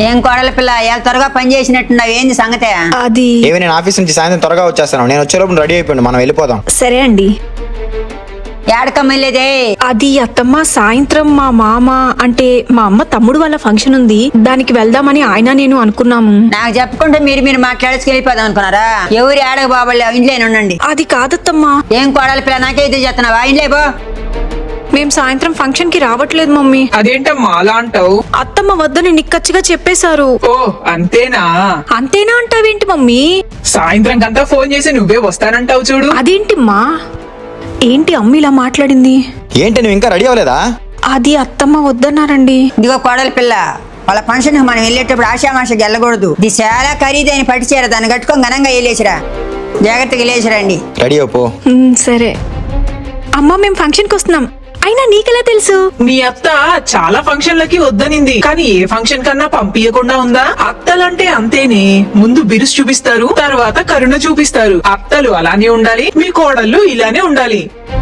ఏం కోడల పిల్ల ఎలా త్వరగా పని చేసినట్టున్నావు, ఏంది సంగతే? అది ఏమి నేను ఆఫీస్ నుంచి సాయంత్రం త్వరగా వచ్చేస్తాను. నేను వచ్చేలోపు రెడీ అయిపోయింది, మనం వెళ్ళిపోదాం. సరే అండి. ఏడకమ్మలేదే? అది అత్తమ్మ, సాయంత్రం మా మామ అంటే మా అమ్మ తమ్ముడు వాళ్ళ ఫంక్షన్ ఉంది, దానికి వెళ్దామని ఆయన నేను అనుకున్నాము. నాకు చెప్పుకుంటే మీరు మాట్లాడేసి వెళ్ళిపోదాం అనుకున్నారా? ఎవరు ఏడక బాబు ఇంట్లోనే ఉండండి. అది కాదత్తమ్మా, ఏం కోడల పిల్ల నాకే ఇది చేస్తున్నావా? ఇంట్లో పో. మేం సాయంత్రం ఫంక్షన్ కి రావట్లేదు మమ్మీ. అదేంటమ్మా అలా అంటావు? అత్తమ్మ వద్దని నిక్కచ్చిగా చెప్పేశారు. ఓ అంతేనా? అంతేనా అంటావేంటి మమ్మీ? సాయంత్రం కంతా ఫోన్ చేసి నువ్వే వస్తానంటావు చూడు. అదేంటిమ్మా? ఏంటి అమ్మ ఇలా మాట్లాడింది? ఏంటి నువ్వు ఇంకా రెడీ అవ్వలేదా? అది అత్తమ్మ వద్దన్నారండి. ఇదిగో కోడల పిల్ల, వాళ్ళ ఫంక్షన్ మనం వెళ్ళేటప్పుడు ఆశామాషకి వెళ్ళకూడదు. ఇది చాలా ఖరీదైన పట్టు చీర, దాన్ని కట్టుకొని ఘనంగా వెళ్ళేసిరా. జాగ్రత్తగా వెళ్ళేసిరండి. రెడీ అయిపో. సరే అమ్మ, మేము ఫంక్షన్ కి వస్తున్నాం. అయినా నీకెలా తెలుసు? మీ అత్త చాలా ఫంక్షన్లకి వద్దనింది, కానీ ఏ ఫంక్షన్ కన్నా పంపించకుండా ఉందా? అత్తలంటే అంతేనే, ముందు బిరుసు చూపిస్తారు, తర్వాత కరుణ చూపిస్తారు. అత్తలు అలానే ఉండాలి, మీ కోడళ్ళు ఇలానే ఉండాలి.